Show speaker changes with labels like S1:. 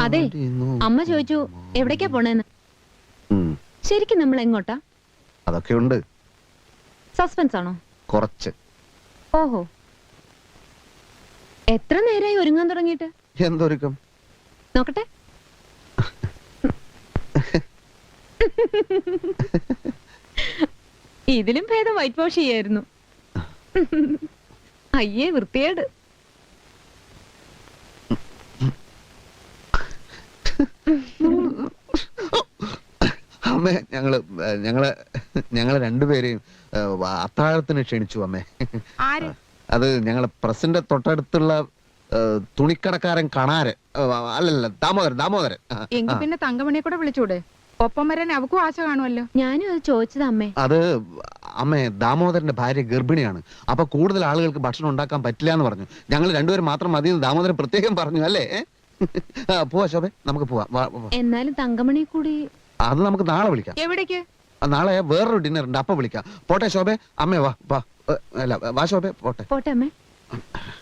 S1: അതെ അമ്മ ചോദിച്ചു എവിടേക്കാ പോണേന്ന്. ശരിക്കും നമ്മൾ എങ്ങോട്ടാ?
S2: അതൊക്കെ ഉണ്ട്.
S1: സസ്പെൻസ് ആണോ?
S2: കുറച്ച്.
S1: ഓഹോ, എത്ര നേരമായി ഒരുങ്ങാൻ തുടങ്ങിയിട്ട്?
S2: എന്തൊരുക്കം?
S1: നോക്കട്ടെ. ഇതിലും ഭേദം വൈറ്റ് വാഷ് ചെയ്യായിരുന്നു. അയ്യേ വൃത്തിയേട്.
S2: അമ്മേ, ഞങ്ങള് രണ്ടുപേരെയും അത്താഴത്തിന് ക്ഷണിച്ചു അമ്മേ. അത് ഞങ്ങളെ പ്രസിന്റെ തൊട്ടടുത്തുള്ള തുണിക്കടക്കാരൻ കണാരൻ, അല്ലല്ല ദാമോദരൻ.
S3: എങ്കിൽ പിന്നെ തങ്കമണിയെ കൂടെ വിളിച്ചൂടെ? ഒപ്പം വരാൻ അവക്കും ആശ കാണുമല്ലോ.
S1: ഞാനും അത് ചോദിച്ചത് അമ്മേ.
S2: അത് അമ്മേ, ദാമോദരന്റെ ഭാര്യ ഗർഭിണിയാണ്. അപ്പൊ കൂടുതൽ ആളുകൾക്ക് ഭക്ഷണം ഉണ്ടാക്കാൻ പറ്റില്ല എന്ന് പറഞ്ഞു. ഞങ്ങൾ രണ്ടുപേരും മാത്രം മതി എന്ന് ദാമോദരൻ പ്രത്യേകം പറഞ്ഞു. അല്ലേ? പോവാ ശോഭേ, നമുക്ക് പോവാം.
S1: എന്നാലും തങ്കമണി കൂടി.
S2: അത് നമുക്ക് നാളെ വിളിക്കാം.
S3: എവിടേക്ക്?
S2: നാളെ വേറൊരു ഡിന്നർ ഉണ്ട്, അപ്പൊ വിളിക്കാം. പോട്ടെ ശോഭേ. അമ്മേ വാ. അല്ല വാ ശോഭേ, പോട്ടെ.
S1: പോട്ടെ അമ്മേ.